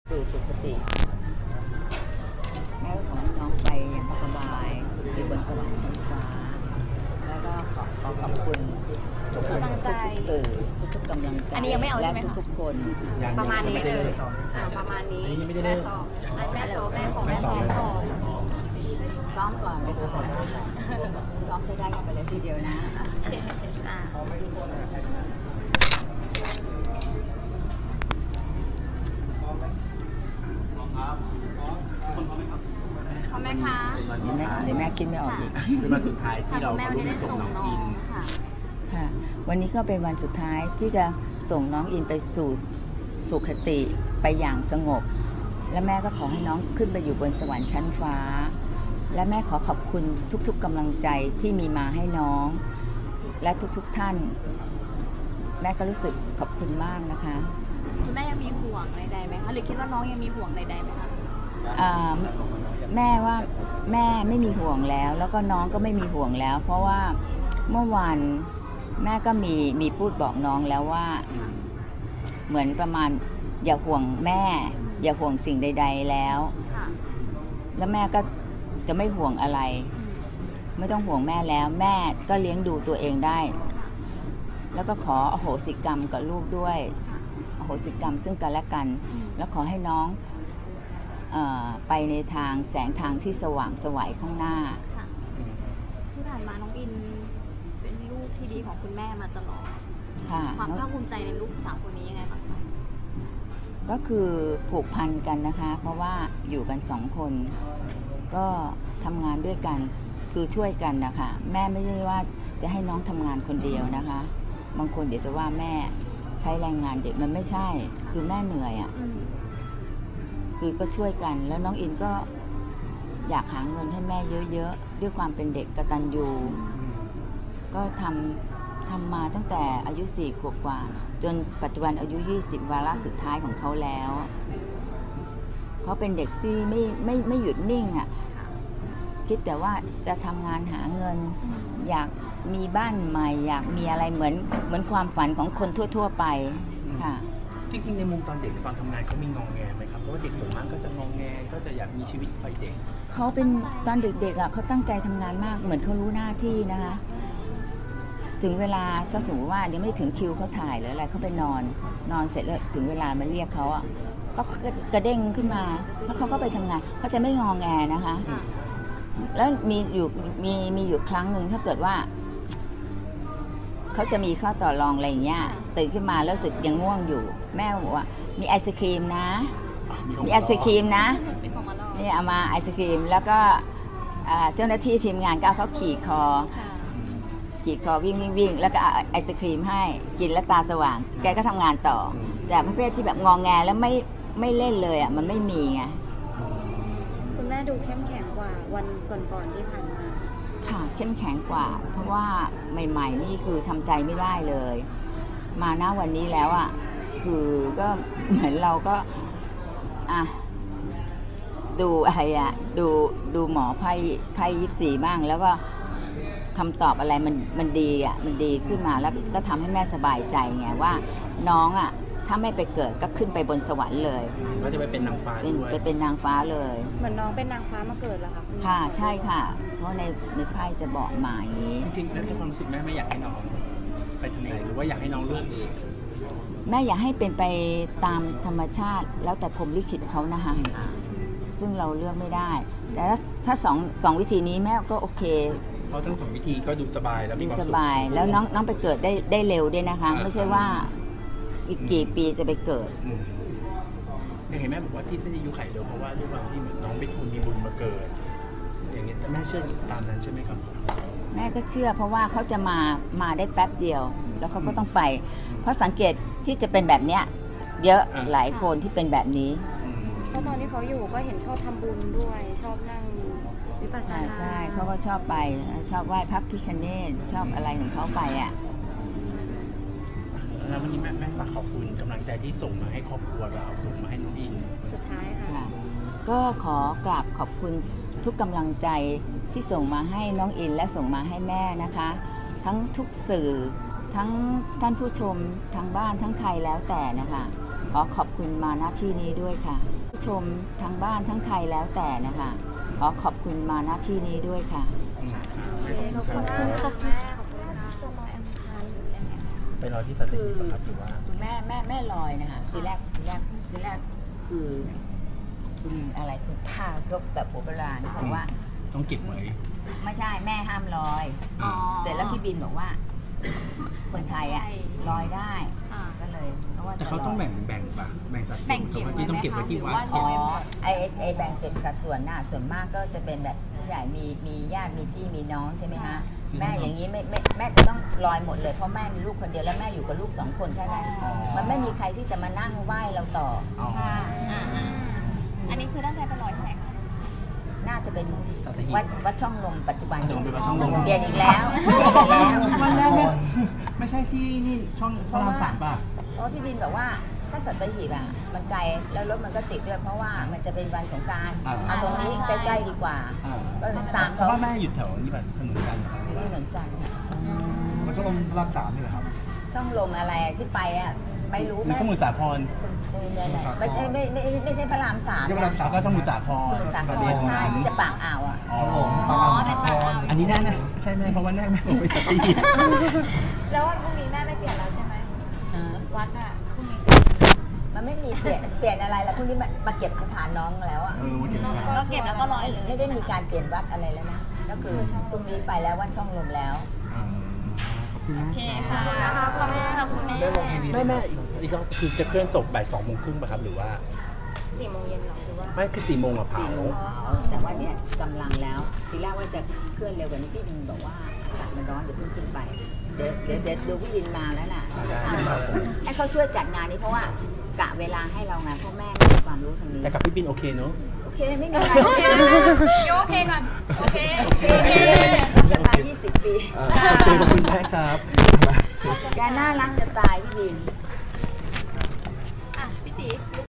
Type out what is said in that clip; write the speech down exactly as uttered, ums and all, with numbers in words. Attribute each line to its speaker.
Speaker 1: สู่สุคติแม่ก็ขอให้น้องไปอย่างสบายอยู่บนสวรรค์ชั้นฟ้าแล้วก็ขอขอขอบคุณทุกกำลังใจสื่อทุกๆกำลังใจ
Speaker 2: อันนี้ยังไม่เอาใช่ไหมคะ
Speaker 1: และทุกๆคน
Speaker 2: ประมาณนี้เลยอ่าประมาณนี้แม่ซ้อมแม่ซ้อมแม่ซ้อมแม่ซ้อมก่อน
Speaker 1: ซ้อมก่อนเลยค่ะซ้อมใช้ได้กันไปเลยทีเดียวนะ
Speaker 2: อ่าเขาแม่คะ
Speaker 1: เดี๋ยวแม่เดี๋ยวแม่คิดไม่ออกอีก
Speaker 3: เป็นวันสุดท้ายที่เรา
Speaker 2: แม่วันนี้ได้ส่งน้องค่ะ
Speaker 1: ค่ะวันนี้ก็เป็นวันสุดท้ายที่จะส่งน้องอินไปสู่สุคติไปอย่างสงบและแม่ก็ขอให้น้องขึ้นไปอยู่บนสวรรค์ชั้นฟ้าและแม่ขอขอบคุณทุกๆกำลังใจที่มีมาให้น้องและทุกๆท่านแม่ก็รู้สึกขอบคุณมากนะคะ
Speaker 2: คุณแม่ยังมีห่วงใดๆไหมคะหรือคิดว่าน้องยังมีห่วงใดๆไหมคะ
Speaker 1: แม่ว่าแม่ไม่มีห่วงแล้วแล้วก็น้องก็ไม่มีห่วงแล้ว เพราะว่าเมื่อวานแม่ก็มีมีพูดบอกน้องแล้วว่าเหมือนประมาณอย่าห่วงแม่อย่าห่วงสิ่งใดๆแล้วแล้วแม่ก็จะไม่ห่วงอะไรไม่ต้องห่วงแม่แล้วแม่ก็เลี้ยงดูตัวเองได้แล้วก็ขออโหสิกรรมกับลูกด้วยอโหสิกรรมซึ่งกันและกันแล้วขอให้น้องเอ่อไปในทางแสงทางที่สว่างไสวข้างหน้า
Speaker 2: ที่ผ่านมาน้องอินเป็นลูกที่ดีของคุณแม่มาตลอดความภาคภูมิใจในลูกสาวคนนี้ยังไงบ้างคะ
Speaker 1: ก็คือผูกพันกันนะคะเพราะว่าอยู่กันสองคนก็ทำงานด้วยกันคือช่วยกันนะคะแม่ไม่ใช่ว่าจะให้น้องทำงานคนเดียวนะคะบางคนเดี๋ยวจะว่าแม่ใช้แรงงานเด็กมันไม่ใช่คือแม่เหนื่อยอ่ะคือก็ช่วยกันแล้วน้องอินก็อยากหาเงินให้แม่เยอะๆด้วยความเป็นเด็กกตัญญูก็ทำทำมาตั้งแต่อายุสี่ขวบกว่าจนปัจจุบันอายุยี่สิบวาระสุดท้ายของเขาแล้วเขาเป็นเด็กที่ไม่ไม่ไม่หยุดนิ่งอ่ะคิดแต่ว่าจะทำงานหาเงินอยากมีบ้านใหม่อยากมีอะไรเหมือนเหมือนความฝันของคนทั่วๆไปค่ะ
Speaker 3: จริงๆในมุมตอนเด็กตอนทำงานเขามีงองแงไหมครับเพราะว่าเด็กส่วนมากก็จะงองแงก็จะอยากมีชีวิตวัยเด็ก
Speaker 1: เขาเป็นตอนเด็กๆอ่ะเขาตั้งใจทำงานมากเหมือนเขารู้หน้าที่นะคะถึงเวลาถ้าสมมติว่ายังไม่ถึงคิวเขาถ่ายหรืออะไรเขาไปนอนนอนเสร็จแล้วถึงเวลามาเรียกเขาอ่ะก็กระเด้งขึ้นมาแล้วเขาก็ไปทำงานเขาจะไม่งองแงนะคะแล้วมีอยู่มีมีอยู่ครั้งหนึ่งถ้าเกิดว่าเขาจะมีข้อต่อรองอะไรอย่างเงี้ยตื่นขึ้นมาแล้วรู้สึกยังง่วงอยู่แม่บอกว่ามีไอศครีมนะมีไอศครีมนะนี่เอามาไอศครีมแล้วก็เจ้าหน้าที่ทีมงานก็เอาเขาขี่คอขี่คอวิ่งวิ่งวิ่งแล้วก็เอาไอศครีมให้กินแล้วตาสว่างแกก็ทำงานต่อแต่ประเภทที่แบบงองแงแล้วไม่ไม่เล่นเลยอ่ะมันไม่มีไง
Speaker 2: คุณแม่ดูเข้มแข็งกว่าวันก่อนๆที่ผ่านมา
Speaker 1: ค่ะเข้มแข็งกว่าเพราะว่าใหม่ๆนี่คือทำใจไม่ได้เลยมาหน้าวันนี้แล้วอ่ะคือก็เหมือนเราก็อ่ะดูอะไรอ่ะดูดูหมอไพ่ไพ่ยิปซีบ้างแล้วก็คำตอบอะไรมันมันดีอ่ะมันดีขึ้นมาแล้วก็ทำให้แม่สบายใจไงว่าน้องอ่ะถ้าไม่ไปเกิดก็ขึ้นไปบนสวรรค์เลย
Speaker 3: ก็จะไปเป็นนางฟ้าด้วย
Speaker 1: ไปเป็นนางฟ้าเลย
Speaker 2: เหมือนน้องเป็นนางฟ้ามาเกิดเหรอคะ
Speaker 1: ค่ะใช่ค่ะเพราะในในไพ่จะบอกมาอย่างนี้
Speaker 3: จริงๆแล้วความรู้สึกแม่ไม่อยากให้น้องไปทางไหนหรือว่าอยากให้น้องเลือกเอง
Speaker 1: แม่อยากให้เป็นไปตามธรรมชาติแล้วแต่พรหมลิขิตเขานะคะซึ่งเราเลือกไม่ได้แต่ถ้าถ้าสองสองวิธีนี้แม่ก็โอเค
Speaker 3: เพราะทั้งสองวิธีก็ดูสบายแล้วมีความสุข
Speaker 1: สบายแล้วน้องน้องไปเกิดได้ได้เร็วด้วยนะคะไม่ใช่ว่าอีกกี่ปีจะไปเกิด
Speaker 3: เห็นแม่บอกว่าที่เส้นอายุไขเร็วเพราะว่าด้วยความที่เหมือนน้องเป็นคนมีบุญมาเกิดอย่างนี้แต่แม่เชื่ออยู่ตามนั้นใช่ไหมครับ
Speaker 1: แม่ก็เชื่อเพราะว่าเขาจะมามาได้แป๊บเดียวแล้วเขาก็ต้องไปเพราะสังเกตที่จะเป็นแบบเนี้ยเยอะหลายคนที่เป็นแบบนี้
Speaker 2: เพราะตอนที่เขาอยู่ก็เห็นชอบทำบุญด้วยชอบนั่งวิปัสสนา
Speaker 1: ใช่เขาก็ชอบไปชอบไหว้พระพิฆเนศชอบอะไรของเขาไปอ่ะ
Speaker 3: แล้ววันนี้แม่แม่ฝากขอบคุณกำลังใจที่ส่งมาให้ครอบครัวเราส่งมาให้น้องอิน
Speaker 2: สุดท้ายค่ะ
Speaker 1: ก็ขอกราบขอบคุณทุกกำลังใจที่ส่งมาให้น้องอินและส่งมาให้แม่นะคะทั้งทุกสื่อทั้งท่านผู้ชมทางบ้านทั้งใครแล้วแต่นะคะขอขอบคุณมาณที่นี้ด้วยค่ะผู้ชมทั้งบ้านทั้งใครแล้วแต่นะคะขอขอบคุณมาณที่นี้ด้วยค่ะ
Speaker 3: อืม
Speaker 2: ขอบคุณมากค่ะแม่ขอบคุณค่ะจะรอแอมทานหรือยังไง
Speaker 3: ไปรอที่สัตหีบอะครับหรือว่า
Speaker 1: แม่แม่แม่ลอยนะคะทีแรกทีแรกทีแรกคือคุณอะไรคุณป้าก็แบบโบราณบอกว่า
Speaker 3: ต้องเก็บไว้
Speaker 1: ไม่ใช่แม่ห้ามลอย
Speaker 3: อ๋อ
Speaker 1: เสร็จแล้วพี่บินบอกว่า คนไทยอ่ะลอยได้
Speaker 2: อ่า
Speaker 1: ก็เลยก็ว่า
Speaker 3: แต่
Speaker 1: จะ
Speaker 3: เขาต้อง
Speaker 1: ลย
Speaker 3: แบ่งแบ่งปะแบ่งสัดส่
Speaker 2: แบ่
Speaker 3: วน
Speaker 2: งเก็บ
Speaker 3: ว่าที่ต้องเก็บไว้ที่วัด
Speaker 2: ไว้ไหมคะหรือว่า
Speaker 1: อ๋อไอไอแบ่งเก็บสัดส่วนน่ะส่วนมากก็จะเป็นแบบผู้ใหญ่มีมีญาติมีพี่มีน้องใช่ไหมคะแม่อย่างนี้ไม่ไม่แม่จะต้องลอยหมดเลยเพราะแม่มีลูกคนเดียวแล้วแม่อยู่กับลูกสองคนแค่นั้นมันไม่มีใครที่จะมานั่งไหว้เราต่อ
Speaker 3: อ๋อ
Speaker 2: ค่ะอ่าๆอันนี้คือตั้งใจไปลอยที่ไหนคะ
Speaker 1: น่าจะเป็น
Speaker 3: สัตหีบ
Speaker 1: วัดวัดช่องลมปัจจุบัน
Speaker 3: ปัจจุบันเป็นวัดช่องลม
Speaker 1: เปลี่ยนอีกแล้วเปลี่ยนอีกแล้ว
Speaker 3: วันแรกเนี่ยไม่ใช่ที่นี่ช่องพระรามสามป่ะ
Speaker 1: เพราะพี่บินบอกว่าถ้าสัตหีบอ่ะมันไกลแล้วรถมันก็ติดด้วยเพราะว่ามันจะเป็นวันสงกรานต์
Speaker 3: อ่า
Speaker 1: เอาตรงนี้ใกล้ๆดีกว่า
Speaker 3: อ่า
Speaker 1: ก็เลยตาม
Speaker 3: เพ
Speaker 1: เขา
Speaker 3: ราะว่าแม่อยู่แถวนี้ป่ะถนนจันทร์นะครับ
Speaker 1: อยู่ที่ถนนจันทร์ค่ะ
Speaker 4: มันจะลงพระรามสามนี่แหละครับ
Speaker 1: ช่องลมอะไรที่ไปอ่ะไม่รู้
Speaker 3: หรือสมุทรสาคร
Speaker 1: ไม่ใช่ไม่ไม่ไม่ใช่พระรามสาม
Speaker 4: ไม่ใช่พระรามส
Speaker 3: แล้วก็สมุทรสาคร
Speaker 1: สมุทรสาค
Speaker 3: ประเด็
Speaker 1: ร
Speaker 3: น
Speaker 1: ใช่
Speaker 3: นั้น
Speaker 1: ที่จะปากอ่าวอ่ะ
Speaker 3: อ๋อ
Speaker 4: ครับผมปากอ่าว
Speaker 2: เป็นปากอ่าว
Speaker 4: นคร
Speaker 3: อันนี้แน่นะใช่ไหมเพราะว่าแน่แม่บอกไปสัตหีบ
Speaker 2: แล้ววันพรุ่งนี้แม่ไม่เปลี่ยนแล้วใช่ไหมวัดอ่ะพรุ่งนี้
Speaker 1: มันไม่มีเปลี่ยนเปลี่ยนอะไรแล้วพรุ่งนี้มามาเก็บอังคารน้องแล้วอ่ะ
Speaker 3: เออวันเก็บขา
Speaker 2: ก็เก็บแล้วก็ร้อยเลย
Speaker 1: ไม่ได้มีการเปลี่ยนวัดอะไรแล้วนะก็คือพรุ่งนี้ไปแล้ววัดช่องลมแล้ว
Speaker 3: อ่าขอบคุณมาก
Speaker 2: โอเคค่ะขอบคุณค่ะคุณแม่
Speaker 4: ได้ลงทีวี
Speaker 3: ไม่แม่อีกก็คือจะเคลื่อนศพบ่ายสองโมงครึ่งป่ะครับหรือว่า
Speaker 2: สี่โมงเย็นหรอหรือว่า
Speaker 3: ไม่คือสี่โมงอะเผา
Speaker 1: สี่โมงแต่ว่าเนี่ยกำลังแล้วทีแรกว่าจะเคลื่อนเร็วกว่านี้พี่บินบอกว่าอากาศมันร้อนเดี๋ยวเพิ่งขึ้นไปเดี๋ยวเดี๋ยวเดี๋ยวดูพี่บินมาแล้วน่ะให้เขาช่วยจัดงานนี้เพราะว่ากะเวลาให้เราไงเพราะแม่ไม่มีความรู้ทางนี้
Speaker 3: แต่กับพี่บินโอเคเนอะ
Speaker 1: โอเคไม่มีอะไร
Speaker 2: โอเคนะโยโอเคก่อน โอเค
Speaker 1: โอเคจะตายยี่สิบปี
Speaker 3: อ่าขอบคุณแม่ครับ
Speaker 1: แกน่ารักจะตายพี่บิน